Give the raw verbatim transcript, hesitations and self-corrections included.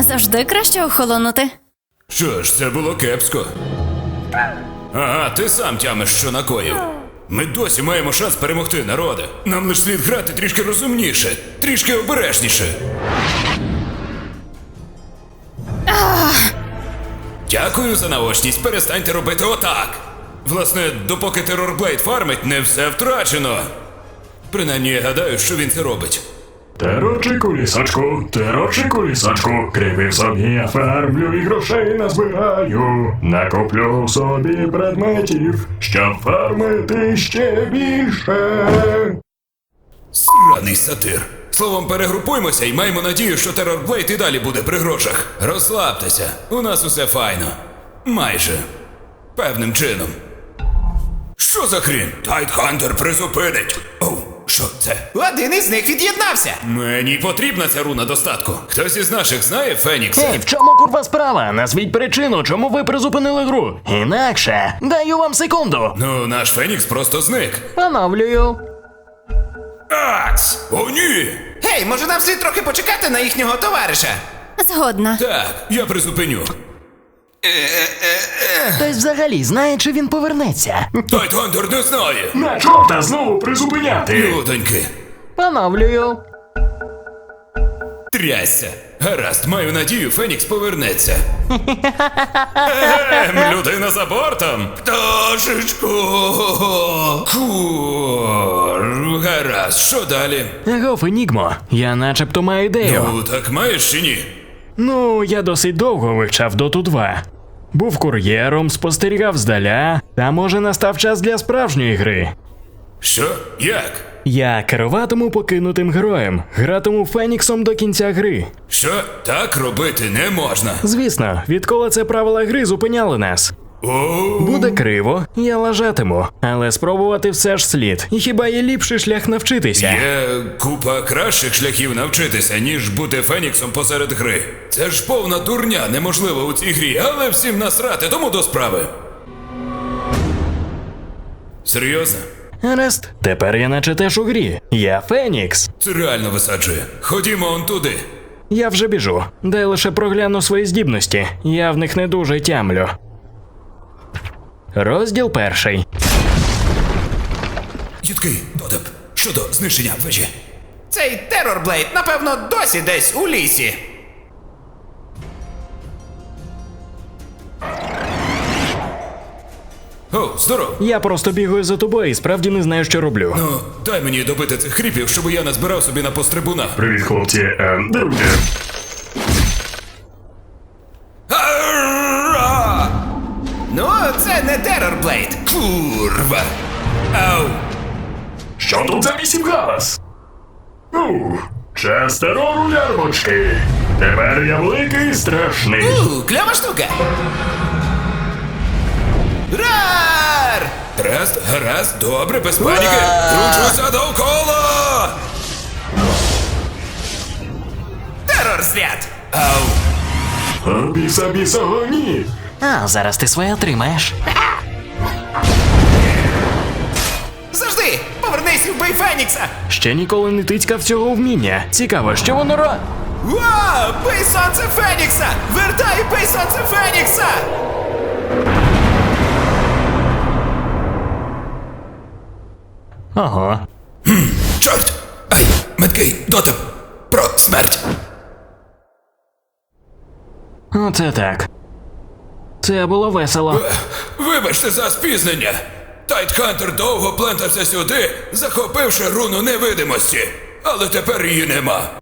Завжди краще охолонути. Що ж, це було кепсько. Ага, ти сам тямиш, що накоїв. Ми досі маємо шанс перемогти, народе. Нам лиш слід грати трішки розумніше, трішки обережніше. Дякую за наочність, перестаньте робити отак. Власне, допоки Терорблейд фармить, не все втрачено. Принаймні, я гадаю, що він це робить. Терочику лісочку, терочику лісочку, кривив собі я фармлю і грошей назбираю. Накоплю собі предметів, щоб фармити ще більше. Сраний сатир. Словом, перегрупуймося і маємо надію, що Терорблейд і далі буде при грошах. Розслабтеся, у нас усе файно. Майже. Певним чином. Що за хрін? Тайтхантер призупинить. Оу, що це? Один із них від'єднався. Мені потрібна ця руна достатку. Хтось із наших знає Фенікса? Ей, в чому курва справа? Назвіть причину, чому ви призупинили гру. Інакше, даю вам секунду. Ну, наш Фенікс просто зник. Оновлюю. Ац! О, ні! Гей, може нам слід трохи почекати на їхнього товариша? Згодна. Так, я призупиню. Хтось взагалі знає, чи він повернеться. Тайтхантер не знає. На чорта знову призупиняти. Людоньки. Оновлюю. Трясся. Гаразд, маю надію, Фенікс повернеться. Ем, людина за бортом. Пташечко. Фу. Гаразд, що далі? Агов, Енігмо, я начебто маю ідею. Ну, так маєш чи ні? Ну, я досить довго вивчав Доту два. Був кур'єром, спостерігав здаля, та може настав час для справжньої гри. Що? Як? Я керуватиму покинутим героєм, гратиму Феніксом до кінця гри. Що? Так робити не можна. Звісно, відколи це правила гри зупиняли нас. О, Буде криво, я лажатиму, але спробувати все ж слід. І хіба є ліпший шлях навчитися? Є купа кращих шляхів навчитися, ніж бути Феніксом посеред гри. Це ж повна дурня, неможливо у цій грі, але всім насрати, тому до справи. Серйозно? Гаразд, тепер я наче теж у грі. Я Фенікс. Це реально висаджує. Ходімо он туди. Я вже біжу. Дай лише прогляну свої здібності. Я в них не дуже тямлю. Розділ перший. Їдкий, дотеп. Щодо знищення вежі. Цей Терорблейд, напевно, досі десь у лісі. О, здоров. Я просто бігаю за тобою і справді не знаю, що роблю. Ну, дай мені добити цих хріпів, щоб я назбирав собі на пострибуна. Привіт, хлопці, е, друзі. Ара! Ну, це не Терорблейд. Курва. Ау. Що тут за вісім галас? Ух, час терору, лярвочки. Тепер я великий і страшний. У, кльова штука. Рар! Гаразд, гаразд, добре, без паніки. Кручуся довкола. Терор свят! Ау. О, біса, біса, гоні. А, зараз ти своє отримаєш. Завжди! Повернись і вбий Фенікса! Ще ніколи не тицькав цього вміння. Цікаво, що воно ро... Вау! Бий сонце Фенікса! Вертай і бий сонце Фенікса! Ого. Чорт! Ай, меткий, дотеп. Про смерть. Оце так. Це було весело. Вибачте за спізнення. Тайтхантер довго плентався сюди, захопивши руну невидимості. Але тепер її нема.